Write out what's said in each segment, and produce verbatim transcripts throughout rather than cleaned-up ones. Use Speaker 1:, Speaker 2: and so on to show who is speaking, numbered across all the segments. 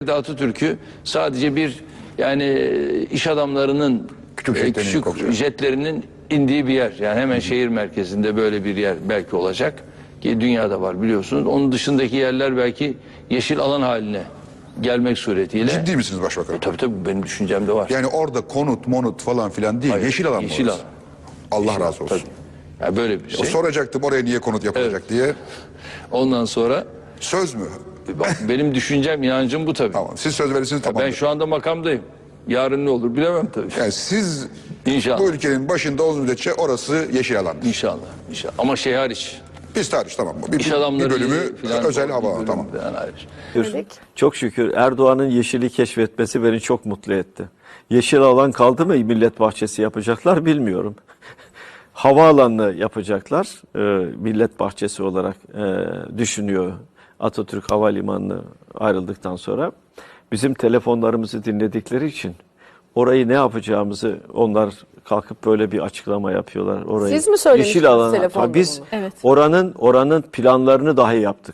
Speaker 1: Atatürk'ü sadece bir yani iş adamlarının
Speaker 2: küçük,
Speaker 1: e, küçük jetlerinin indiği bir yer. Yani hemen şehir merkezinde böyle bir yer belki olacak ki dünyada var biliyorsunuz. Onun dışındaki yerler belki yeşil alan haline gelmek suretiyle.
Speaker 2: Ciddi misiniz başbakanım?
Speaker 1: E, tabii tabii benim düşüncemde var.
Speaker 2: Yani orada konut, monut falan filan değil.
Speaker 1: Hayır,
Speaker 2: yeşil alan mı
Speaker 1: yeşil
Speaker 2: orası?
Speaker 1: alan.
Speaker 2: Allah
Speaker 1: Yeşil
Speaker 2: razı olsun.
Speaker 1: Tabii. Yani böyle bir şey.
Speaker 2: O soracaktım oraya niye konut yapılacak diye.
Speaker 1: Ondan sonra
Speaker 2: Söz mü?
Speaker 1: bak, benim düşüncem, inancım bu tabii.
Speaker 2: Tamam. Siz söz verirsiniz tamam.
Speaker 1: Ben şu anda makamdayım. Yarın ne olur bilemem tabii.
Speaker 2: Yani siz
Speaker 1: İnşallah.
Speaker 2: bu ülkenin başında olduğunuz müddetçe orası yeşil alandır.
Speaker 1: İnşallah. İnşallah. Ama şey hariç.
Speaker 2: Biz hariç tamam mı? Bir,
Speaker 1: İş
Speaker 2: bir
Speaker 1: adamları
Speaker 2: bölümü
Speaker 1: filan,
Speaker 2: özel
Speaker 1: bir
Speaker 2: hava
Speaker 1: bölümü
Speaker 2: tamam.
Speaker 1: falan hariç.
Speaker 3: Evet.
Speaker 4: Çok şükür Erdoğan'ın yeşili keşfetmesi beni çok mutlu etti. Yeşil alan kaldı mı millet bahçesi yapacaklar bilmiyorum. Havaalanını yapacaklar e, millet bahçesi olarak e, düşünüyor Atatürk Havalimanı'nı ayrıldıktan sonra. Bizim telefonlarımızı dinledikleri için orayı ne yapacağımızı onlar kalkıp böyle bir açıklama yapıyorlar. Orayı,
Speaker 3: Siz mi söylemiştiniz
Speaker 4: yeşil alana,
Speaker 3: telefonda
Speaker 4: biz
Speaker 3: bunu?
Speaker 5: Evet.
Speaker 4: oranın oranın planlarını dahi yaptık.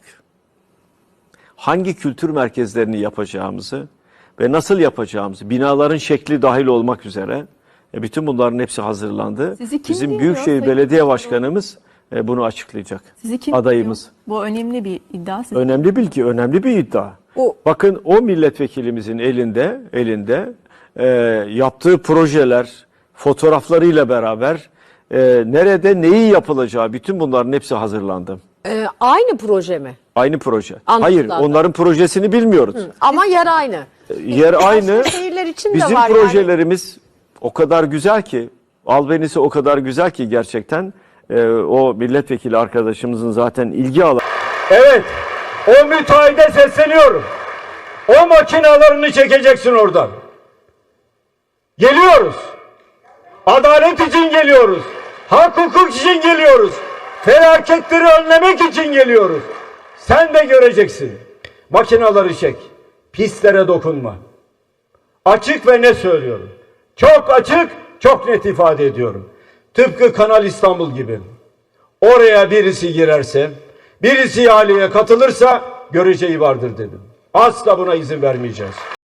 Speaker 4: Hangi kültür merkezlerini yapacağımızı ve nasıl yapacağımızı, binaların şekli dahil olmak üzere e, bütün bunların hepsi hazırlandı.
Speaker 5: Sizi kim
Speaker 4: Bizim
Speaker 5: dinliyor
Speaker 4: Büyükşehir
Speaker 5: Sayın
Speaker 4: Belediye
Speaker 5: Başkanım?
Speaker 4: Başkanımız e, bunu açıklayacak.
Speaker 5: Sizi kim
Speaker 4: Adayımız.
Speaker 5: dinliyor? Bu önemli bir iddia. Sizi
Speaker 4: Önemli bilgi, önemli bir iddia.
Speaker 3: O-
Speaker 4: Bakın o milletvekilimizin elinde elinde e, yaptığı projeler, fotoğraflarıyla beraber e, nerede neyi yapılacağı bütün bunların hepsi hazırlandı.
Speaker 3: Ee, aynı proje mi?
Speaker 4: Aynı proje.
Speaker 3: Anladım
Speaker 4: Hayır,
Speaker 3: zaten.
Speaker 4: onların projesini bilmiyoruz.
Speaker 3: Ama yer aynı.
Speaker 4: Yer aynı.
Speaker 3: şehirler için de
Speaker 4: Bizim
Speaker 3: var yani.
Speaker 4: projelerimiz o kadar güzel ki, albenisi o kadar güzel ki gerçekten e, o milletvekili arkadaşımızın zaten ilgi alanı.
Speaker 6: Evet, o müteahhide sesleniyorum. O makinalarını çekeceksin oradan. Geliyoruz. Adalet için geliyoruz. Hak hukuk için geliyoruz. Felaketleri önlemek için geliyoruz. Sen de göreceksin. Makinaları çek. Pislere dokunma. Açık ve net söylüyorum. Çok açık, çok net ifade ediyorum. Tıpkı Kanal İstanbul gibi. Oraya birisi girerse, birisi ihaleye katılırsa göreceği vardır dedim. Asla buna izin vermeyeceğiz.